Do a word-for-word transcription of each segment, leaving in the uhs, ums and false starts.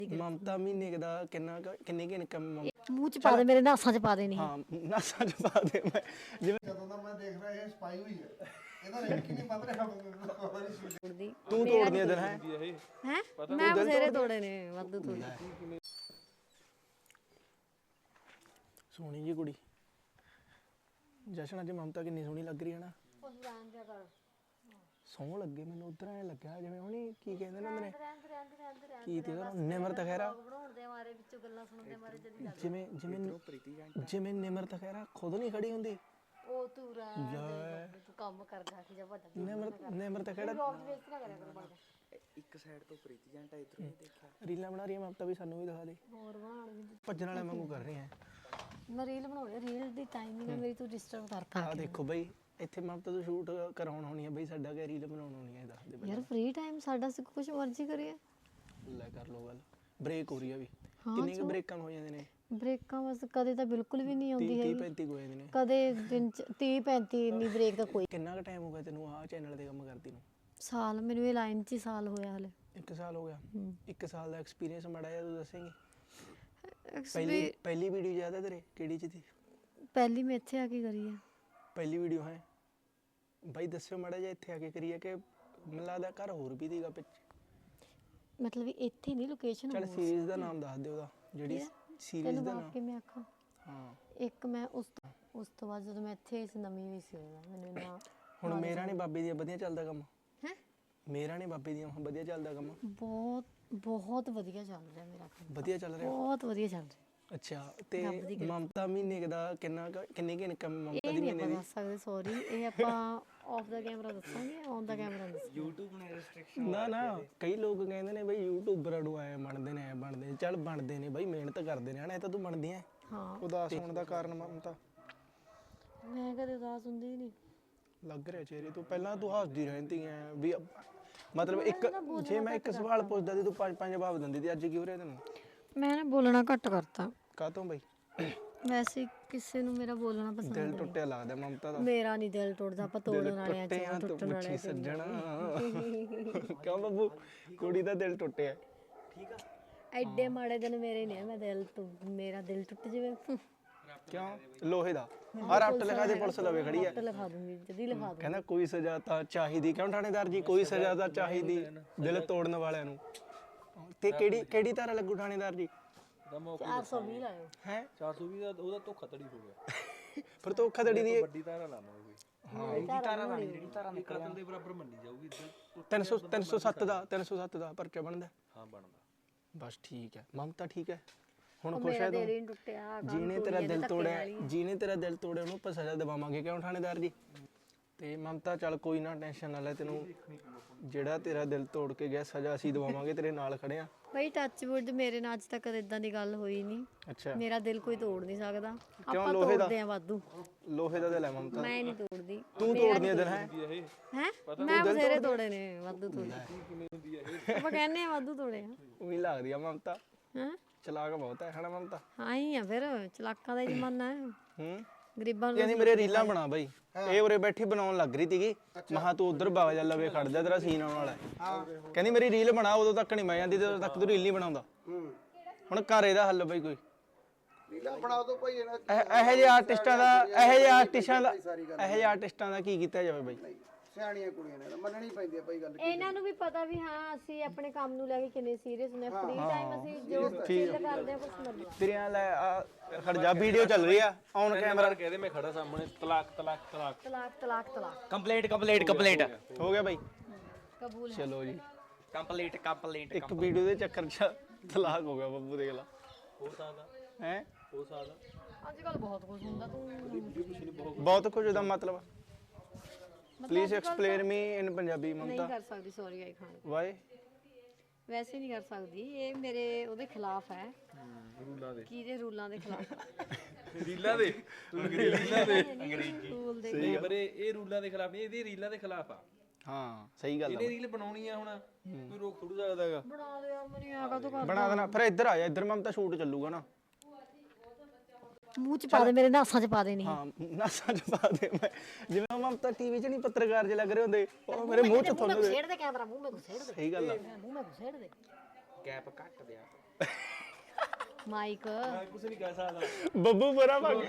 ਮਮਤਾ ਮਹੀਨੇ ਕੁ ਦਾ ਕਿੰਨਾ ਕੁ- ਕਿੰਨੀ ਕਿ ਇਨਕਮ ਮੂੰਹ ਚ ਪਾ ਦੇ ਮੇਰੇ ਨਾਸਾਂ ਚ ਪਾ ਦੇ ਨਹੀਂ ਹਾਂ ਨਾਸਾਂ ਚ ਪਾ ਦੇ ਮੈਂ ਜਿਵੇਂ ਜਦੋਂ ਦਾ ਮੈਂ ਦੇਖ ਰਿਹਾ ਇਹ ਸਪਾਈ ਹੋਈ ਹੈ ਇਹਦਾ ਰੇਟ ਕਿੰਨੀ ਵੱਧ ਰਿਹਾ ਤੋੜਦੀ ਤੂੰ ਤੋੜਦੀ ਆ ਦਿਲ ਹੈ ਹੈ ਮੈਂ ਬਥੇਰੇ ਤੋੜੇ ਨੇ ਵਾਧੂ ਤੋੜੇ ਸੋਹਣੀ ਜੀ ਕੁੜੀ ਜਸ਼ਨ ਅੱਜ ਮਮਤਾ ਕਿੰਨੀ ਸੋਹਣੀ ਲੱਗ ਰਹੀ ਹੈ ਨਾ ਸੋਹਣ ਲੱਗੇ ਮੈਨੂੰ ਉਧਰ ਐ ਲੱਗਿਆ ਜਿਵੇਂ ਹੁਣੀ ਕੀ ਕਹਿੰਦੇ ਨੇ ਹੁੰਦੇ ਨੇ ਕੀ ਤੇ ਉਹਦਾ ਨਿਮਰਤ ਖਹਿਰਾ ਬਣਾਉਣ ਦੇ ਮਾਰੇ ਵਿੱਚੋਂ ਗੱਲਾਂ ਸੁਣਨ ਦੇ ਮਾਰੇ ਜਦੀ ਜਿਵੇਂ ਜਿਵੇਂ ਜਿਵੇਂ ਨਿਮਰਤ ਖਹਿਰਾ ਖੁਦ ਨਹੀਂ ਖੜੀ ਹੁੰਦੀ ਉਹ ਤੂੰ ਰਹਿ ਤੂੰ ਕੰਮ ਕਰ ਜਾ ਕੇ ਜਾ ਵੱਡਾ ਨਿਮਰਤ ਨਿਮਰਤ ਖਹਿਰਾ ਵੇਸਟ ਨਾ ਕਰਿਆ ਕਰ ਬਣ ਇੱਕ ਸਾਈਡ ਤੋਂ ਪ੍ਰੀਤੀ ਜੰਟਾ ਇਧਰੋਂ ਹੀ ਦੇਖਿਆ ਰੀਲਾਂ ਬਣਾ ਰਹੀ ਹੈ ਮਮਤਾ ਵੀ ਸਾਨੂੰ ਵੀ ਦਿਖਾ ਦੇ ਹੋਰ ਬਣ ਭੱਜਣ ਵਾਲੇ ਵਾਂਗੂ ਕਰ ਰਹੀ ਹੈ ਮੈਂ ਰੀਲ ਬਣਾਉਣੀ ਰੀਲ ਦੀ ਟਾਈਮਿੰਗ ਮੇਰੀ ਤੂੰ ਡਿਸਟਰਬ ਕਰਤਾ ਆ ਦੇਖੋ ਬਈ ਇੱਥੇ ਮਮਤਾ ਤੋਂ ਸ਼ੂਟ ਕਰਾਉਣ ਹੋਣੀ ਹੈ ਬਈ ਸਾਡਾ ਕਿ ਰੀਲ ਬਣਾਉਣ ਹੋਣੀ ਹੈ ਦੱਸ ਦੇ ਬਈ ਯਾਰ ਫ੍ਰੀ ਟਾਈਮ ਸਾਡਾ ਸੀ ਕੁਝ ਮਰਜ਼ੀ ਕਰੀਏ ਲੈ ਕਰ ਲੋ ਗੱਲ ਬ੍ਰੇਕ ਹੋ ਰਹੀ ਆ ਵੀ ਕਿੰਨੀ ਕੁ ਬ੍ਰੇਕਾਂ ਹੋ ਜਾਂਦੇ ਨੇ ਬ੍ਰੇਕਾਂ ਬਸ ਕਦੇ ਤਾਂ ਬਿਲਕੁਲ ਵੀ ਨਹੀਂ ਆਉਂਦੀ ਤੀਹ ਹੈਗੀ ਪੈਂਤੀ ਹੋ ਜਾਂਦੇ ਨੇ ਕਦੇ ਦਿਨ ਚ ਤੀਹ ਪੈਂਤੀ ਇੰਨੀ ਬ੍ਰੇਕ ਤਾਂ ਕੋਈ ਕਿੰਨਾ ਕੁ ਟਾਈਮ ਹੋ ਗਿਆ ਤੈਨੂੰ ਆਹ ਚੈਨਲ ਤੇ ਕੰਮ ਕਰਦੀ ਨੂੰ ਸਾਲ ਮੈਨੂੰ ਇਹ ਲਾਈਨ ਚ ਹੀ ਸਾਲ ਹੋਇਆ ਹਲੇ ਇੱਕ ਸਾਲ ਹੋ ਗਿਆ ਇੱਕ ਸਾਲ ਦਾ ਐਕਸਪੀਰੀਅੰਸ ਮਾੜਾ ਜਿਹਾ ਤੂੰ ਦੱਸੇਂਗੀ Actually, ਪਹਿਲੀ ਪਹਿਲੀ ਵੀਡੀਓ ਯਾਦ ਹੈ ਤੇਰੇ ਕਿਹੜੀ ਚ ਸੀ ਪਹਿਲੀ ਮੈਂ ਇੱਥੇ ਆ ਕੇ ਕਰੀ ਹੈ ਪਹਿਲੀ ਵੀਡੀਓ ਹੈ ਬਾਈ ਦੱਸਿਓ ਮਾੜਾ ਜਿਹਾ ਇੱਥੇ ਆ ਕੇ ਕਰੀਏ ਕਿ ਮੈਨੂੰ ਲੱਗਦਾ ਘਰ ਹੋਰ ਵੀ ਦੀਗਾ ਪਿੱਛੇ ਮਤਲਬ ਵੀ ਇੱਥੇ ਨਹੀਂ ਲੋਕੇਸ਼ਨ ਚੱਲ ਸੀਰੀਜ਼ ਦਾ ਨਾਮ ਦੱਸ ਦੇ ਉਹਦਾ ਜਿਹੜੀ ਸੀਰੀਜ਼ ਤੈਨੂੰ ਦਾ ਬਾਪ ਨਾਮ ਕੇ ਮੈਂ ਆਖਾਂ ਹਾਂ ਇੱਕ ਮੈਂ ਉਸ ਤੋਂ- ਉਸ ਤੋਂ ਬਾਅਦ ਜਦੋਂ ਮੈਂ ਇੱਥੇ ਇਸ ਨਵੀਂ ਵੀ ਸੀ ਉਦੋਂ ਮੈਨੂੰ ਨਾ ਹੁਣ ਮੇਰਾ ਨੇ ਬਾਬੇ ਦੀਆਂ ਵਧੀਆ ਚੱਲਦਾ ਕੰਮ ਹੈ ਮੇਰਾ ਨੇ ਬਾਬੇ ਦੀਆਂ ਵਧੀਆ ਚੱਲਦਾ ਕੰਮ ਬਹੁਤ ਬਹੁਤ ਵਧੀਆ ਚੱਲ ਰਿਹਾ ਮੇਰਾ ਕੰਮ ਵਧੀਆ ਚੱਲ ਰਿਹਾ ਬਹੁਤ ਵਧੀਆ ਚੱਲ ਰਿਹਾ ਅੱਛਾ ਤੇ ਮਮਤਾ ਮਹੀਨੇ ਕੁ ਦਾ ਕਿੰਨਾ ਕੁ- ਕਿੰਨੀ ਕਿ ਇਨਕਮ ਮਮਤਾ ਇਹ ਦੀ ਨਹੀਂ ਮਹੀਨੇ ਆਪਾਂ ਦੀ ਦੱਸ ਸਕਦੇ ਸੌਰੀ ਇਹ ਆਪਾਂ ਆਫ ਦਾ ਕੈਮਰਾ ਦੱਸਾਂਗੇ ਔਨ ਦਾ ਕੈਮਰਾ ਦੱਸਾਂਗੇ YouTube ਨੇ ਰੈਸਟ੍ਰਿਕਸ਼ਨ ਨਾ ਨਾ ਕਈ ਲੋਕ ਕਹਿੰਦੇ ਨੇ ਬਈ ਯੂਟਿਊਬਰਾਂ ਨੂੰ ਆਏ ਬਣਦੇ ਨੇ ਐ ਬਣਦੇ ਨੇ ਚੱਲ ਬਣਦੇ ਨੇ ਬਈ ਮਿਹਨਤ ਕਰਦੇ ਨੇ ਹਨਾ ਇਹ ਤਾਂ ਤੂੰ ਬਣਦੀ ਐ ਹਾਂ ਉਦਾਸ ਹੋਣ ਦਾ ਕਾਰਨ ਮਮਤਾ ਮੈਂ ਕਦੇ ਉਦਾਸ ਹੁੰਦੀ ਨਹੀਂ ਲੱਗ ਰਿਹਾ ਚਿਹਰੇ ਤੋਂ ਪਹਿਲਾਂ ਤੂੰ ਹੱਸਦੀ ਰਹਿੰਦੀ ਐ ਵੀ ਮਤਲਬ ਇੱਕ ਜੇ ਮੈਂ ਇੱਕ ਸਵਾਲ ਪੁੱਛਦਾ ਸੀ ਤੂੰ ਪੰਜ ਪੰਜ ਜਵਾਬ ਦਿੰਦੀ ਸੀ ਅੱਜ ਕੀ ਹੋ ਰਿਹਾ ਤੈਨੂੰ ਮੈਂ ਨਾ ਬੋਲਣਾ ਘੱਟ ਕਰਤਾ ਕਾਹਤੋਂ ਬਈ ਵੈਸੇ ਕਿਸੇ ਨੂੰ ਮੇਰਾ ਬੋਲਣਾ ਪਸੰਦ ਦਿਲ ਨਹੀਂ ਟੁੱਟਿਆ ਲੱਗਦਾ ਮਮਤਾ ਦਾ ਮੇਰਾ ਨਹੀਂ ਦਿਲ ਟੁੱਟਦਾ ਆਪਾਂ ਤੋੜਨ ਵਾਲੇ ਆ ਟੁੱਟਿਆ ਤੂੰ ਟੁੱਟਣ ਵਾਲੇ ਮੁੱਠੀ ਸੱਜਣਾ ਕਿਉਂ ਬੱਬੂ ਕੁੜੀ ਦਾ ਦਿਲ ਟੁੱਟਿਆ ਠੀਕ ਆ ਐਡੇ ਮਾੜੇ ਦਿਨ ਮੇਰੇ ਨੇ ਮੈਂ ਦਿਲ ਤੋਂ ਮੇਰਾ ਦਿਲ ਟੁੱਟ ਜਾਵੇ ਕਿਉਂ ਲੋਹੇ ਦਾ ਆ ਰੱਟ ਲਗਾ ਦੇ ਪੁਲਿਸ ਲਵੇ ਖੜੀ ਐ ਟੁੱਟ ਲਿਖਾ ਦੂੰਗੀ ਜਦੀ ਲਿਖਾ ਦੂੰ ਕਹਿੰਦਾ ਕੋਈ ਸਜ਼ਾ ਤਾਂ ਚਾਹੀਦੀ ਕਿਉਂ ਥਾਣੇਦਾਰ ਜੀ ਕੋਈ ਸਜ਼ਾ ਤਾਂ ਚਾਹੀਦੀ ਦਿਲ ਤੋੜਨ ਵਾਲਿਆਂ ਨੂੰ ਤੇ ਕਿਹੜੀ ਕਿਹੜੀ ਧਾਰਾ ਲੱਗੂ ਥਾਣੇਦਾਰ ਜੀ ਚਾਰ ਸੌ ਵੀਹ ਲਾਇਓ ਹੈ ਚਾਰ ਸੌ ਵੀਹ ਦਾ ਉਹਦਾ ਧੋਖਾ ਧੜੀ ਹੋ ਗਿਆ ਫਿਰ ਧੋਖਾ ਧੜੀ ਦੀ ਵੱਡੀ ਧਾਰਾ ਲਾਵਾਂਗੇ ਹਾਂ ਇਹਦੀ ਧਾਰਾ ਲਾਣੀ ਜਿਹੜੀ ਧਾਰਾ ਨਿਕਲ ਕਤਲ ਦੇ ਬਰਾਬਰ ਮੰਨੀ ਜਾਊਗੀ ਇੱਧਰ ਤਿੰਨ ਸੌ ਤਿੰਨ ਸੌ ਸੱਤ ਦਾ ਤਿੰਨ ਸੌ ਸੱਤ ਦਾ ਪਰਚਾ ਬਣਦਾ ਹਾਂ ਬਣਦਾ ਬਸ ਠੀਕ ਹੈ ਮਮਤਾ ਠੀਕ ਹੈ ਹੁਣ ਖੁਸ਼ ਮੇਰਾ ਹੈ ਦਿਲ ਤੂੰ ਹੀ ਨੀ ਟੁੱਟਿਆ ਜਿਹਨੇ ਤੇਰਾ ਦਿਲ ਤੋੜਿਆ ਜਿਹਨੇ ਤੇਰਾ ਦਿਲ ਤੋੜਿਆ ਉਹਨੂੰ ਆਪਾਂ ਸਜ਼ਾ ਦਿਵਾਵਾਂਗੇ ਕਿਉਂ ਥਾਣੇਦਾਰ ਜੀ ਤੇ ਮਮਤਾ ਚੱਲ ਕੋਈ ਨਾ ਟੈਨਸ਼ਨ ਨਾ ਲੈ ਤੈਨੂੰ ਜਿਹੜਾ ਤੇਰਾ ਦਿਲ ਤੋੜ ਕੇ ਗਿਆ ਸਜ਼ਾ ਅਸੀਂ ਦਿਵਾਵਾਂਗੇ ਤੇਰੇ ਨਾਲ ਖੜੇ ਆ ਬਈ ਟੱਚ ਵੁੱਡ ਮੇਰੇ ਨਾਲ ਅੱਜ ਤੱਕ ਇਦਾਂ ਦੀ ਗੱਲ ਹੋਈ ਨਹੀਂ ਅੱਛਾ ਮੇਰਾ ਦਿਲ ਕੋਈ ਤੋੜ ਨਹੀਂ ਸਕਦਾ ਕਿਉਂ ਆਪਾਂ ਲੋਹੇ ਦਾ? ਤੋੜਦੇ ਆ ਵਾਧੂ ਲੋਹੇ ਦਾ ਦਿਲ ਹੈ ਮਮਤਾ ਮੈਂ ਨਹੀਂ ਤੋੜਦੀ ਤੂੰ ਤੋੜਦੀ ਹੈ ਦਿਲ ਹੈ ਹੈ ਮੈਂ ਬਥੇਰੇ ਤੋੜੇ ਨੇ ਵਾਧੂ ਤੋੜੇ ਆਪਾਂ ਕਹਿੰਦੇ ਆ ਵਾਧੂ ਤੋੜੇ ਆ ਉਹੀ ਲੱਗਦੀ ਆ ਮਮਤਾ ਹਾਂ ਚਲਾਕ ਬਹੁਤ ਹੈ ਹਨਾ ਮਮਤਾ ਹਾਂ ਹੀ ਆ ਫਿਰ ਚਲਾਕਾਂ ਦਾ ਹੀ ਜ਼ਮਾਨਾ ਹੈ ਹੂੰ ਗਰੀਬਾਂ ਨੂੰ ਕਹਿੰਦੀ ਮੇਰੇ ਰੀਲਾਂ ਬਣਾ ਬਾਈ ਇਹ ਉਰੇ ਬੈਠੀ ਬਣਾਉਣ ਲੱਗ ਰਹੀ ਸੀਗੀ ਮਹਾ ਤੂੰ ਉਧਰ ਬਾਗ ਜਾ ਲਵੇ ਖੜ ਜਾ ਤੇਰਾ ਸੀਨ ਆਉਣ ਵਾਲਾ ਹੈ ਕਹਿੰਦੀ ਮੇਰੀ ਰੀਲ ਬਣਾ ਉਦੋਂ ਤੱਕ ਨਹੀਂ ਮੈਂ ਜਾਂਦੀ ਜਦੋਂ ਤੱਕ ਤੂੰ ਰੀਲ ਨਹੀਂ ਬਣਾਉਂਦਾ ਹੁਣ ਘਰ ਇਹਦਾ ਹੱਲ ਬਈ ਕੋਈ ਰੀਲਾ ਬਣਾ ਦੋ ਭਾਈ ਇਹਨਾਂ ਇਹ- ਇਹੋ ਜਿਹੇ ਆਰਟਿਸਟਾਂ ਦਾ ਇਹੋ ਜਿਹੇ ਆਰਟਿਸਟਾਂ ਦਾ ਇਹੋ ਜਿਹੇ ਆਰਟਿਸਟਾਂ ਦਾ ਕੀ ਕੀਤਾ ਜਾਵੇ ਬਈ ਸਿਆਣੀਆਂ ਕੁੜੀਆਂ ਨੇ ਮੰਨਣੀ ਪੈਂਦੀ ਆ ਭਾਈ ਗੱਲ ਇਹਨਾਂ ਨੂੰ ਵੀ ਪਤਾ ਵੀ ਹਾਂ ਅਸੀਂ ਆਪਣੇ ਕੰਮ ਨੂੰ ਲੈ ਕੇ ਕਿੰਨੇ ਸੀਰੀਅਸ ਨੇ ਫ੍ਰੀ ਟਾਈਮ ਅਸੀਂ ਜੋ ਚਿੱਲ ਕਰਦੇ ਆ ਕੁਝ ਮਰਜ਼ੀ ਤੇਰੀਆਂ ਲੈ ਆ ਖੜ ਜਾ ਵੀਡੀਓ ਚੱਲ ਰਹੀ ਆ ਔਨ ਕੈਮਰਾ ਕਹਦੇ ਮੈਂ ਖੜਾ ਸਾਹਮਣੇ ਤਲਾਕ ਤਲਾਕ ਤਲਾਕ ਤਲਾਕ ਤਲਾਕ ਤਲਾਕ ਕੰਪਲੀਟ ਕੰਪਲੀਟ ਕੰਪਲੀਟ ਹੋ ਗਿਆ ਬਾਈ ਕਬੂਲ ਚਲੋ ਜੀ ਕੰਪਲੀਟ ਕੰਪਲੀਟ ਇੱਕ ਵੀਡੀਓ ਦੇ ਚੱਕਰ 'ਚ ਤਲਾਕ ਹੋ ਗਿਆ ਬੱਬੂ ਦੇਖ ਲਾ ਹੋ ਸਕਦਾ ਹੈ ਹੋ ਸਕਦਾ ਅੱਜ ਕੱਲ ਬਹੁਤ ਕੁਝ ਹੁੰਦਾ ਤੂੰ ਬਹੁਤ ਕੁਝ ਦਾ ਮਤਲਬ please explain me in Punjabi ਨਹੀਂ ਮਮਤਾ ਕਰ ਸਕਦੀ ਸੌਰੀ ਆਈ ਖਾਨ ਵਾਈ ਵੈਸੇ ਨਹੀਂ ਕਰ ਸਕਦੀ ਇਹ ਮੇਰੇ ਉਹਦੇ ਖਿਲਾਫ ਹੈ ਰੂਲਾਂ ਦੇ ਕਿਹਦੇ ਰੂਲਾਂ ਦੇ ਖਿਲਾਫ ਰੀਲਾਂ ਦੇ ਰੀਲਾਂ ਦੇ ਅੰਗਰੇਜ਼ੀ ਰੂਲ ਦੇ ਨਹੀਂ ਪਰ ਇਹ ਇਹ ਰੂਲਾਂ ਦੇ ਖਿਲਾਫ ਨਹੀਂ ਇਹਦੀ ਰੀਲਾਂ ਦੇ ਖਿਲਾਫ ਆ ਹਾਂ ਸਹੀ ਗੱਲ ਇਹਨੇ ਆ ਰੀਲ ਬਣਾਉਣੀ ਆ ਹੁਣ ਕੋਈ ਰੋਕ ਥੋੜੂ ਸਕਦਾ ਹੈਗਾ ਬਣਾ ਦੇ ਯਾਰ ਮੈਨੂੰ ਆਗਾ ਤੂੰ ਕਰ ਬਣਾ ਦੇਣਾ ਫਿਰ ਇੱਧਰ ਆ ਜਾ ਇੱਧਰ ਮਮਤਾ ਸ਼ੂਟ ਚੱਲੂਗਾ ਨਾ ਮੂੰਹ ਚ ਪਾ ਦੇ ਮੇਰੇ ਨਾਸਾਂ ਚ ਪਾ ਦੇ ਨਹੀਂ ਹਾਂ ਨਾਸਾਂ ਚ ਪਾ ਦੇ ਮੈਂ ਜਿਵੇਂ ਮਮਤਾ ਟੀਵੀ 'ਚ ਨਹੀਂ ਪੱਤਰਕਾਰ ਜੇ ਲੱਗ ਰਹੇ ਹੁੰਦੇ ਉਹ ਮੇਰੇ ਮੂੰਹ 'ਚ ਤੁਹਾਨੂੰ ਛੇੜ ਦੇ ਕੈਮਰਾ ਮੂੰਹ ਮੇ ਘੁਸੇੜ ਦੇ ਸਹੀ ਗੱਲ ਆ ਮੂੰਹ ਮੇ ਘੁਸੇੜ ਦੇ ਗੈਪ ਘੱਟ ਦਿਆ ਮਾਈਕ ਕੁਝ ਨਹੀਂ ਕਹਿ ਸਕਦਾ ਬੱਬੂ ਬਰਾ ਭਾਗ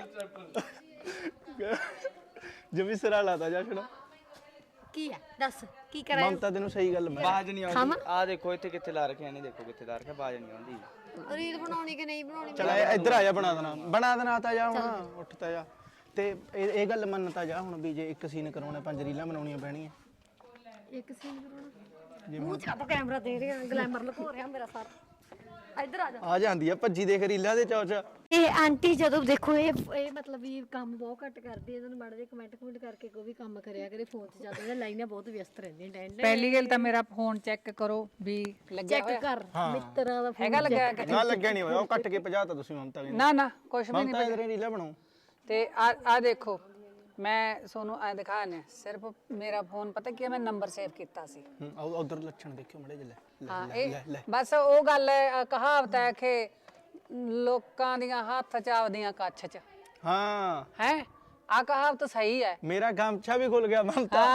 ਜਮੀ ਸਿਰਾ ਲਾਤਾ ਜਾ ਛੜਾ ਕੀ ਹੈ ਦੱਸ ਕੀ ਕਰਾਂ ਮਮਤਾ ਤੈਨੂੰ ਸਹੀ ਗੱਲ ਮੈਂ ਬਾਜ ਨਹੀਂ ਆਉਂਦੀ ਆ ਦੇਖੋ ਇੱਥੇ ਕਿੱਥੇ ਲਾ ਰੱਖਿਆ ਨਹੀਂ ਦੇਖੋ ਕਿੱਥੇ ਲਾ ਰੱਖਿਆ ਬਾਜ ਨਹੀਂ ਆਉਂਦੀ ਰੀਲ ਬਣਾਉਣੀ ਕਿ ਨਹੀਂ ਬਣਾਉਣੀ ਚਲ ਇੱਧਰ ਆ ਜਾ ਬਣਾ ਦੇਣਾ ਬਣਾ ਦੇਣਾ ਤਾਂ ਜਾ ਹੁਣ ਉੱਠ ਤਾਂ ਜਾ ਤੇ ਇਹ ਇਹ ਗੱਲ ਮੰਨ ਤਾਂ ਜਾ ਹੁਣ ਵੀ ਜੇ ਇੱਕ ਸੀਨ ਕਰਾਉਣਾ ਪੰਜ ਰੀਲਾਂ ਬਣਾਉਣੀਆਂ ਪੈਣੀਆਂ ਇੱਕ ਸੀਨ ਕਰਾਉਣਾ ਮੂੰਹ ਚ ਆਪਾਂ ਕੈਮਰਾ ਦੇ ਰਿਹਾ ਗਲੈਮਰ ਲੁਕੋ ਰਿਹਾ ਮੇਰਾ ਸਾਰਾ ਇੱਧਰ ਆ ਜਾ ਆ ਜਾਂਦੀ ਆ ਭੱਜੀ ਦੇਖ ਰੀਲਾਂ ਦੇ ਚੌਚ ਇਹ ਆਂਟੀ ਜਦੋਂ ਦੇਖੋ ਇਹ ਇਹ ਮਤਲਬ ਵੀ ਕੰਮ ਬਹੁਤ ਘੱਟ ਕਰਦੀ ਹੈ ਇਹਨਾਂ ਨੂੰ ਮਾੜਾ ਜਿਹਾ ਕਮੈਂਟ ਕਮੈਂਟ ਕਰਕੇ ਕੋਈ ਵੀ ਕੰਮ ਕਰਿਆ ਕਰੇ ਫੋਨ 'ਚ ਜ਼ਿਆਦਾ ਇਹ ਲਾਈਨਾਂ ਬਹੁਤ ਵਿਅਸਤ ਰਹਿੰਦੀਆਂ ਡੈਂਡ ਪਹਿਲੀ ਗੱਲ ਤਾਂ ਮੇਰਾ ਫੋਨ ਚੈੱਕ ਕਰੋ ਵੀ ਲੱਗਿਆ ਚੈੱਕ ਕਰ ਮਿੱਤਰਾਂ ਦਾ ਫੋਨ ਹੈਗਾ ਲੱਗਿਆ ਕਿ ਨਾ ਲੱਗਿਆ ਨਹੀਂ ਹੋਇਆ ਉਹ ਕੱਟ ਕੇ ਭਜਾ ਤਾ ਤੁਸੀਂ ਮਮਤਾ ਕਹਿੰਦੇ ਨਾ ਨਾ ਕੁਛ ਵੀ ਨਹੀਂ ਮਮਤਾ ਇਧਰੇ ਰੀਲਾਂ ਬਣਾਓ ਤੇ ਆ ਆ ਦੇਖੋ ਮੈਂ ਤੁਹਾਨੂੰ ਐ ਦਿਖਾਣੇ ਸਿਰਫ ਮੇਰਾ ਫੋਨ ਪਤਾ ਕੀ ਹੈ ਮੈਂ ਨੰਬਰ ਸੇਵ ਕੀਤਾ ਸੀ ਉਧਰ ਲੱਛਣ ਦੇਖਿਓ ਮੜੇ ਜੇ ਹਾਂ ਲੈ ਇਹ ਬਸ ਉਹ ਗੱਲ ਹੈ ਅ, ਕਹਾਵਤ ਹੈ ਕਿ ਲੋਕਾਂ ਦੀਆਂ ਹੱਥ ਚ ਆਪਦੀਆਂ ਕੱਛ ਚ ਹਾਂ ਹੈ ਆ ਕਹਾਵਤ ਸਹੀ ਹੈ ਮੇਰਾ ਗਮਛਾ ਵੀ ਖੁੱਲ ਗਿਆ ਮਮਤਾ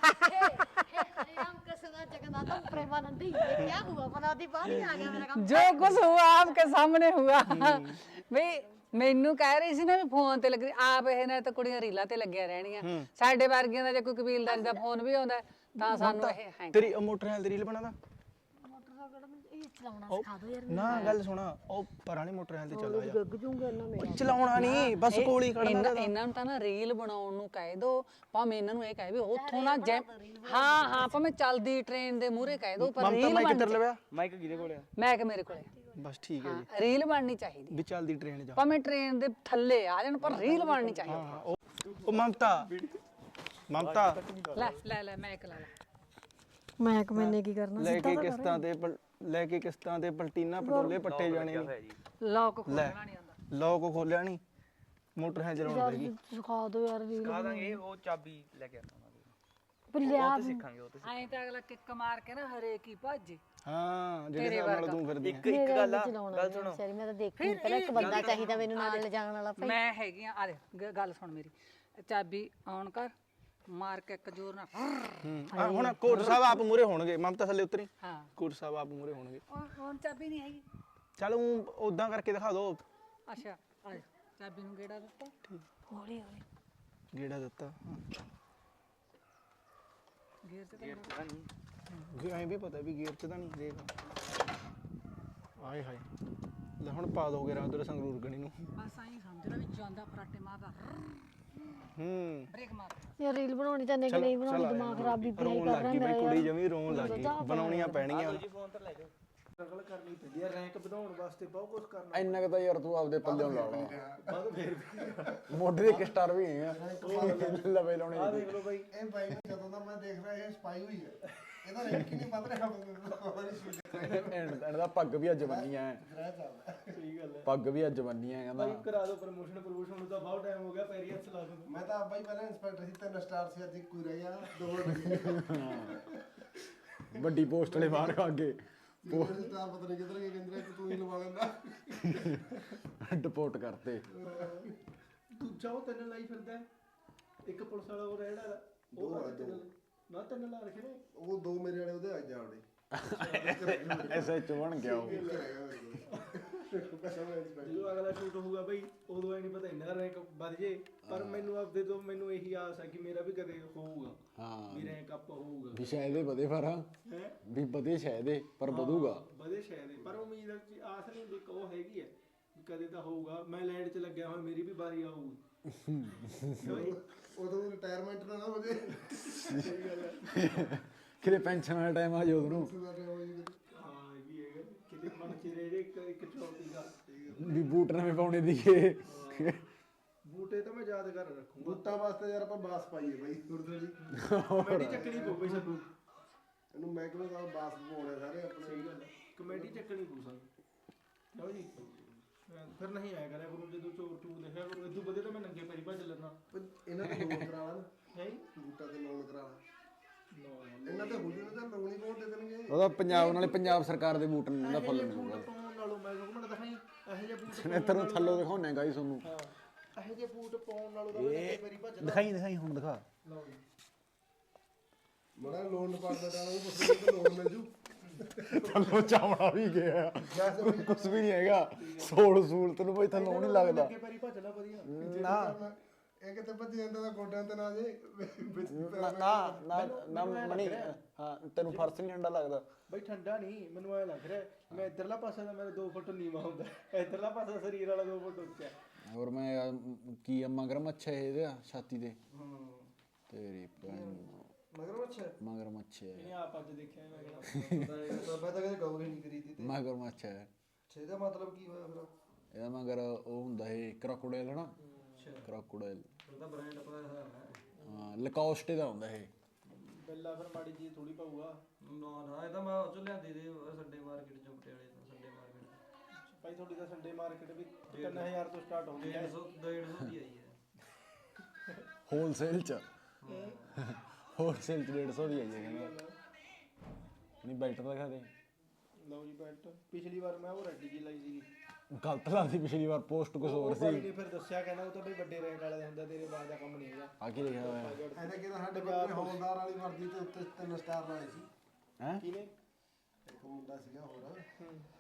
राम कृष्ण जगन्नाथ प्रेमानंद ये क्या हुआ बना दी बात ही आ गया मेरा काम ਜੋ ਕੁਝ हुआ आपके सामने हुआ ਬਈ ਮੈਨੂੰ ਕਹਿ ਰਹੀ ਸੀ ਨਾ ਵੀ ਫੋਨ ਤੇ ਲੱਗ ਰਹੀ ਆਪ ਇਹ ਨਾਲ ਤਾਂ ਕੁੜੀਆਂ ਰੀਲਾਂ ਤੇ ਲੱਗੀਆਂ ਰਹਿਣੀਆਂ ਸਾਡੇ ਵਰਗੀਆਂ ਦਾ ਜੇ ਕੋਈ ਕਬੀਲਦਾਰ ਦਾ ਫੋਨ ਵੀ ਆਉਂਦਾ ਤਾਂ ਸਾਨੂੰ ਇਹ ਹੈ ਤੇਰੀ ਉਹ ਮੋਟਰਸਾਈਕਲ ਦੀ ਰੀਲ ਬਣਾਦਾ मोटरसाइकिल में ये चलाना सिखा दो यार ਨਾ ਗੱਲ ਸੁਣਾ ਉਹ ਪਰਾਲੀ ਮੋਟਰਸਾਈਕਲ ਤੇ ਚੱਲ ਜਾ गग जूंगा ना मैं ਚਲਾਉਣਾ ਨਹੀਂ ਬਸ ਕੋਲ ਹੀ ਖੜਨਾ ਇਹਨਾਂ ਇਹਨਾਂ ਨੂੰ ਤਾਂ ਨਾ ਰੀਲ ਬਣਾਉਣ ਨੂੰ ਕਹਿ ਦੋ ਭਾਵੇਂ ਇਹਨਾਂ ਨੂੰ ਇਹ ਕਹੇ ਵੀ ਉੱਥੋਂ ਨਾ ਜੈ ਹਾਂ ਹਾਂ ਭਾਵੇਂ ਚੱਲਦੀ ਟ੍ਰੇਨ ਦੇ ਮੂਹਰੇ ਕਹਿ ਦੋ ਪਰ ਮਮਤਾ ਰੀਲ ਮਾਈਕ ਬਣ ਕਿੱਧਰ ਲਵਿਆ ਮਾਈਕ ਕਿਹਦੇ ਕੋਲ ਆ ਮੈਂ ਕਿ ਮੇਰੇ ਕੋਲੇ ਬਸ ਠੀਕ ਹੈ ਜੀ ਹਾਂ ਰੀਲ ਬਣਨੀ ਚਾਹੀਦੀ ਵੀ ਚੱਲਦੀ ਟ੍ਰੇਨ ਜਾ ਭਾਵੇਂ ਟ੍ਰੇਨ ਦੇ ਥੱਲੇ ਆ ਜਾਣ ਪਰ ਰੀਲ ਬਣਨੀ ਚਾਹੀਦੀ ਹਾਂ ਉਹ ਉਹ ਮਮਤਾ ਮਮਤਾ ਲੈ ਲੈ ਲੈ ਮੈਂ ਇੱਕ ਲਾ ਲਾ मैं मैंने की करना ਲੈ ਕੇ ਕਿਸ਼ਤਾਂ ਤੇ ਪਲ- ਲੈ ਕੇ ਕਿਸ਼ਤਾਂ ਤੇ ਪਲਟੀਨਾ ਪਟੋਲੇ ਪੱਟੇ ਜਾਣੇ ਨੇ ਲੋਕ ਲੈ ਖੋਲਣਾ ਨਹੀਂ ਆਉਂਦਾ ਲੋਕ ਖੋਲਿਆ ਨਹੀਂ ਮੋਟਰਸਾਈਕਲ ਚਲਾਉਣ ਪੈਗੀ सिखा दो यार रील ਕਹਾ ਦਾਂਗੇ ਉਹ ਚਾਬੀ ਲੈ ਕੇ ਆਉਂਦਾ पर लिया ਸਿੱਖਾਂਗੇ ਉਹ ਤੇ ਐਂ ਤਾਂ ਅਗਲਾ ਕਿੱਕ ਮਾਰ ਕੇ ਨਾ ਹਰੇਕ ਹੀ ਭੱਜ ਹਾਂ ਜਿਹੜੇ ਹਿਸਾਬ ਨਾਲ ਤੂੰ ਫਿਰਦੀ ਇੱਕ ਇੱਕ ਗੱਲ ਆ ਗੱਲ ਸੁਣੋ सर मैं तो देखी पहले एक बंदा चाहिए मैनू नाल ले जाने वाला ਮੈਂ ਹੈਗੀ ਆ ਆ ਦੇ ਗ- ਗੱਲ ਸੁਣ ਮੇਰੀ ਚਾਬੀ ਆਨ ਕਰ ਮਾਰ ਕੇ ਇੱਕ ਜ਼ੋਰ ਨਾਲ ਹੂੰ ਆਹ ਹੁਣ ਕੋਟ ਸਾਹਿਬ ਆਪ ਮੂਰੇ ਹੋਣਗੇ ਮਮਤਾ ਥੱਲੇ ਉਤਰੀ ਹਾਂ ਕੋਟ ਸਾਹਿਬ ਆਪ ਮੂਰੇ ਹੋਣਗੇ ਉਹ ਹੁਣ ਚਾਬੀ ਨਹੀਂ ਹੈਗੀ ਚੱਲ ਉਹ ਉਦਾਂ ਕਰਕੇ ਦਿਖਾ ਦੋ ਅੱਛਾ ਆ ਜਾ ਚਾਬੀ ਨੂੰ ਗੇੜਾ ਦਿੱਤਾ हौली हौली ਗੇੜਾ ਦਿੱਤਾ ਗੇਰ ਤੇ ਤਾਂ ਗੇ ਐਂ ਵੀ ਪਤਾ ਵੀ ਗੇਅਰ ਚ ਤਾਂ ਨਹੀਂ ਦੇਖ ਆਏ ਹਾਏ ਲੈ ਹੁਣ ਪਾ ਦੋਗੇ ਰਾਤ ਉਧਰ ਸੰਗਰੂਰ ਗਣੀ ਨੂੰ ਬਸ ਆਈ ਸਮਝਣਾ ਵੀ ਜਾਂਦਾ ਫਰਾਟੇ ਮਾਰਦਾ ਹੂੰ ਬ੍ਰੇਕ ਮਾਰ यार रील बनानी चाहने कि नहीं बनानी दिमाग खराब भी ਰੋਣ ਲੱਗ ਗਈ ਬਈ ਕੁੜੀ ਜਮੀ ਰੋਣ ਲੱਗ ਗਈ ਬਣਾਉਣੀਆਂ ਪੈਣਗੀਆਂ ਫੋਨ ਤੇ ਲੈ ਜਾਓ ਸਟਰਗਲ ਕਰਨੀ ਪੈਂਦੀ ਹੈ ਰੈਂਕ ਵਧਾਉਣ ਵਾਸਤੇ ਬਹੁਤ ਕੁਝ ਕਰਨਾ ਇੰਨਾ ਕੁ ਤਾਂ ਯਾਰ ਤੂੰ ਆਪਦੇ ਪੱਲਿਓਂ ਲਾ ਲਾ ਮੋਢੇ ਦੇ ਇੱਕ ਸਟਾਰ ਵੀ ਹੈ ਲਵੇ ਲਾਉਣੇ ਆ ਦੇਖ ਲਓ ਬਾਈ ਇਹ ਬਾਈ ਨੂੰ ਜਦੋਂ ਦਾ ਮੈਂ ਦੇਖ ਰਿਹਾ ਇਹ ਸਪਾਈ ਹੋਈ ਹੈ ਇਹਦਾ ਰੈਂਕ ਹੀ ਨਹੀਂ ਵੱਧ ਰਿਹਾ ਐਂਡ ਐਂਡ ਦਾ ਪੱਗ ਵੀ ਅੱਜ ਬੰਨੀਆਂ ਹੈ ਗ੍ਰਹਿ ਚੱਲਦਾ ਸਹੀ ਗੱਲ ਹੈ ਪੱਗ ਵੀ ਅੱਜ ਬੰਨੀਆਂ ਕਹਿੰਦਾ ਕਰਾ ਦੋ ਪ੍ਰਮੋਸ਼ਨ ਪ੍ਰਮੋਸ਼ਨ ਨੂੰ ਤਾਂ ਬਹੁਤ ਟਾਈਮ ਹੋ ਗਿਆ ਪੈਰੀ ਹੱਥ ਲਾ ਦੋ ਮੈਂ ਤਾਂ ਬਾਈ ਪਹਿਲਾਂ ਇੰਸਪੈਕਟਰ ਸੀ ਤਿੰਨ ਸਟਾਰ ਸੀ ਅੱਜ ਇੱਕ ਹੀ ਰਹਿ ਗਿਆ ਦੋ ਲੱਗੇ ਵੱਡੀ ਪੋਸਟ ਵਾਲੇ ਬਾਹਰ ਖਾ ਕੇ ਪੋਸਟ ਸਟਾਰ ਪਤਾ ਨਹੀਂ ਕਿੱਧਰ ਗਏ ਕਹਿੰਦੇ ਕਿ ਤੂੰ ਹੀ ਲਵਾ ਲੈਂਦਾ ਡਿਪੋਰਟ ਕਰਤੇ ਦੂਜਾ ਉਹ ਤਿੰਨ ਲਾਈ ਫਿਰਦਾ ਇੱਕ ਪੁਲਿਸ ਵਾਲਾ ਉਹ ਰਹਿਣ ਵਾਲਾ ਦੋ ਆ ਦੋ ਨਾ ਤਿੰਨ ਲਾ ਰੱਖੇ ਨੇ ਉਹ ਦੋ ਮੇਰੇ ਵਾਲੇ ਉਹਦੇ ਆ ਜਾਵੜੇ ਐਸਐਚ ਬਣ ਗਿਆ ਉਹ ਇੱਕ ਰਹਿ ਗਿਆ ਮੇਰੇ ਕੋਲ ਜਦੋਂ ਅਗਲਾ ਸ਼ੂਟ ਹੋਊਗਾ ਬਈ ਉਦੋਂ ਐ ਨਹੀਂ ਪਤਾ ਇੰਨਾ ਰੈਂਕ ਵੱਧ ਜੇ ਪਰ ਮੈਨੂੰ ਆਪਦੇ ਤੋਂ ਮੈਨੂੰ ਇਹੀ ਆਸ ਹੈ ਕਿ ਮੇਰਾ ਵੀ ਕਦੇ ਹੋਊਗਾ ਹਾਂ ਵੀ ਰੈਂਕ ਅਪ ਹੋਊਗਾ ਵੀ ਸ਼ਾਇਦ ਇਹ ਵਧੇ ਪਰ ਹੈ ਵੀ ਵਧੇ ਸ਼ਾਇਦ ਇਹ ਪਰ ਵਧੂਗਾ ਵਧੇ ਸ਼ਾਇਦ ਪਰ ਉਮੀਦ ਹੈ ਆਸ ਨਹੀਂ ਹੁੰਦੀ ਉਹ ਹੈਗੀ ਹੈ ਵੀ ਕਦੇ ਤਾਂ ਹੋਊਗਾ ਮੈਂ ਲੈਂਡ 'ਚ ਲੱਗਿਆ ਹੋਇਆ ਮੇਰੀ ਵੀ ਵਾਰੀ ਆਊਗੀ ਉਦੋਂ ਰਿਟਾਇਰਮੈਂਟ ਨਾ ਹੋ ਜੇ ਕਿਤੇ ਪੈਨਸ਼ਨ ਵਾਲਾ ਟਾਈਮ ਆ ਜਾਊ ਉਹਨੂੰ ਹਾਂ ਇਹ ਵੀ ਹੈਗਾ ਕਿਤੇ ਮਨ 'ਚ ਰਹਿ ਜੇ ਇੱਕ ਇੱਕ ਚੌਕੀ ਦਾ ਵੀ ਬੂਟ ਨਵੇਂ ਪਾਉਣੇ ਦੀਏ ਬੂਟੇ ਤਾਂ ਮੈਂ ਯਾਦ ਕਰ ਰੱਖੂਗਾ ਬੂਟਾਂ ਵਾਸਤੇ ਯਾਰ ਆਪਾਂ ਬਾਸ ਪਾਈਏ ਬਾਈ ਗੁਰਦੁਆਰੇ ਜੀ ਕਮੇਟੀ ਚੱਕਣੀ ਪਊ ਬਈ ਸਾਨੂੰ ਇਹਨੂੰ ਮਹਿਕਮੇ ਦਾ ਬਾਸ ਪਾਉਣੇ ਸਾਰੇ ਆਪਣੇ ਸਹੀ ਗੱਲ ਹੈ ਕਮੇਟੀ ਚੱਕਣੀ ਪਊ ਸਾਨੂੰ ਲਓ ਜੀ ਫਿਰ ਨਹੀਂ ਆਇਆ ਕਰਿਆ ਗੁਰੂ ਜਦੋਂ ਚੋਰ ਚੂਰ ਦੇਖਿਆ ਗੁਰੂ ਇਦੋਂ ਵਧੀਆ ਤਾਂ ਮੈਂ ਨੰਗੇ ਪੈਰੀ ਭੱਜ ਲੈਣਾ ਇਹਨਾਂ ਤੇ ਲੋਨ ਕਰਾ ਲਾ ਹੈ ਬੂਟਾ ਤੇ ਲੋਨ ਕਰਾ ਲਾ ਇਹਨਾਂ ਤੇ ਹੁਲੀ ਨੂੰ ਤਾਂ ਲੋਨ ਹੀ ਕੋਣ ਦੇ ਦੇਣਗੇ ਉਹਦਾ ਪੰਜਾਬ ਨਾਲੇ ਪੰਜਾਬ ਸਰਕਾਰ ਦੇ ਬੂਟ ਨੂੰ ਦਾ ਫੁੱਲ ਮਿਲੂਗਾ ਪਾਉਣ ਨਾਲੋਂ ਮੈਂ ਸੁਣ ਦਿਖਾਈ ਇਹੋ ਜਿਹੇ ਬੂਟ ਇੱਧਰੋਂ ਥੱਲੋਂ ਦਿਖਾਉਣੇ ਗਾਈ ਤੁਹਾਨੂੰ ਹਾਂ ਇਹੋ ਜਿਹੇ ਬੂਟ ਪਾਉਣ ਨਾਲੋਂ ਤਾਂ ਮੈਂ ਨੰਗੇ ਪੈਰੀ ਭੱਜ ਦਿਖਾਈ ਦਿਖਾਈ ਹੁਣ ਦਿਖਾ ਲਓ ਜੀ ਮੜਾ ਲੋਨ ਡਿਪਾਰਟਮੈਂਟ ਵਾਲਾ ਨੂੰ ਪੁੱਛਦੇ ਕਿ ਲੋਨ ਮਿਲ ਜੂ ਥੱਲੋਂ ਚਾਵਣਾ ਵੀ ਗਿਆ ਕੁਛ ਵੀ ਨਹੀਂ ਹੈਗਾ ਸੋਲ ਸੂਲ ਤੈਨੂੰ ਬਈ ਥੱਲੋਂ ਨਹੀਂ ਲੱਗਦਾ ਅੱਗੇ ਪੈਰੀ ਭੱਜ ਲੈ ਵਧੀਆ ਨਾ ਇਹ ਕਿਤੇ ਭੱਜ ਜਾਂਦਾ ਤਾਂ ਗੋਡਿਆਂ ਤੇ ਨਾ ਜੇ ਵਿੱਚ ਨਾ ਨਾ ਨਾ ਨਾ ਮਣੀ ਹਾਂ ਤੈਨੂੰ ਫਰਸ ਨਹੀਂ ਠੰਡਾ ਲੱਗਦਾ ਬਈ ਠੰਡਾ ਨਹੀਂ ਮੈਨੂੰ ਐ ਲੱਗ ਰਿਹਾ ਮੈਂ ਇਧਰਲਾ ਪਾਸਾ ਦਾ ਮੇਰਾ ਦੋ ਫੁੱਟ ਨੀਵਾ ਹੁੰਦਾ ਇਧਰਲਾ ਪਾਸਾ ਸਰੀਰ ਵਾਲਾ ਦੋ ਫੁੱਟ ਉੱਚਾ ਹੋਰ ਮੈਂ ਯਾਰ ਕੀ ਆ ਮਗਰ ਮੱਛਾ ਇਹਦੇ ਛਾਤੀ ਤੇ ਤੇਰੀ ਭੈਣ ਮਗਰ ਅੱਛਾ ਮਗਰ ਮੱਛਾ ਇਹ ਆਪ ਅੱਜ ਦੇਖਿਆ ਮੈਂ ਕਿਹੜਾ ਤਾਂ ਮੈਂ ਤਾਂ ਕਦੇ ਗੌਰ ਹੀ ਨਹੀਂ ਕਰੀ ਤੀ ਤੇ ਮਗਰ ਮੱਛਾ ਛੇ ਦਾ ਮਤਲਬ ਕੀ ਹੋਇਆ ਫਿਰ ਇਹਦਾ ਮਗਰ ਉਹ ਹੁੰਦਾ ਇਹ ਕ੍ਰੋਕੋਡਾਈਲ ਨਾ ਕ੍ਰੋਕੋਡਾਈਲ ਉਹਦਾ ਬ੍ਰਾਂਡ ਪਤਾ ਹੈ ਹਾਂ ਲਕੋਸਟੇ ਦਾ ਹੁੰਦਾ ਇਹ ਪਹਿਲਾਂ ਫਿਰ ਮਾੜੀ ਜੀ ਥੋੜੀ ਪਾਊਗਾ ਨਾ ਨਾ ਇਹ ਤਾਂ ਮੈਂ ਉਹ ਚੋਂ ਲਿਆਂਦੀ ਦੇ ਸੰਡੇ ਮਾਰਕੀਟ ਚੋਂ ਪਟਿਆਲੇ ਤੋਂ ਸੰਡੇ ਮਾਰਕੀਟ ਭਾਈ ਤੁਹਾਡੀ ਤਾਂ ਸੰਡੇ ਮਾਰਕੀਟ ਵੀ ਤਿੰਨ ਹਜ਼ਾਰ ਤੋਂ ਸਟਾਰਟ ਹੁੰਦੀ ਹੈ ਡੇਢ ਸੌ ਦੀ ਆਈ ਹੈ ਹੋਲਸੇਲ ਚ ਹੋਲਸੇਲ ਚ ਡੇਢ ਸੌ ਦੀ ਆਈ ਹੈ ਕਹਿੰਦਾ ਨਹੀਂ ਬੈਲਟ ਤਾਂ ਦਿਖਾ ਦੇ ਲਓ ਜੀ ਬੈਲਟ ਪਿਛਲੀ ਵਾਰ ਮੈਂ ਉਹ ਰੈਡੀ ਜੀ ਲਾਈ ਸੀਗੀ ਗਲਤ ਲਾਦੀ ਪਿਛਲੀ ਵਾਰ ਪੋਸਟ ਕੁਝ ਹੋਰ ਸੀ ਨਹੀਂ ਫਿਰ ਦੱਸਿਆ ਕਹਿੰਦਾ ਉਹ ਤਾਂ ਬਈ ਵੱਡੇ ਰੇਟ ਵਾਲਾ ਹੁੰਦਾ ਤੇਰੇ ਬਾਅਦ ਦਾ ਕੰਮ ਨਹੀਂ ਹੈਗਾ ਆ ਕੀ ਲਿਖਿਆ ਹੋਇਆ ਇਹਨੇ ਕਿਹਾ ਸਾਡੇ ਕੋਲ ਹੌਲਦਾਰ ਵਾਲੀ ਵਰਦੀ ਤੇ ਉੱਤੇ ਤਿੰਨ ਸਟਾਰ ਲਾਏ ਸੀ ਹੈ ਕਿਹਨੇ ਇੱਕ ਮੁੰਡਾ ਸੀਗਾ ਹੋਰ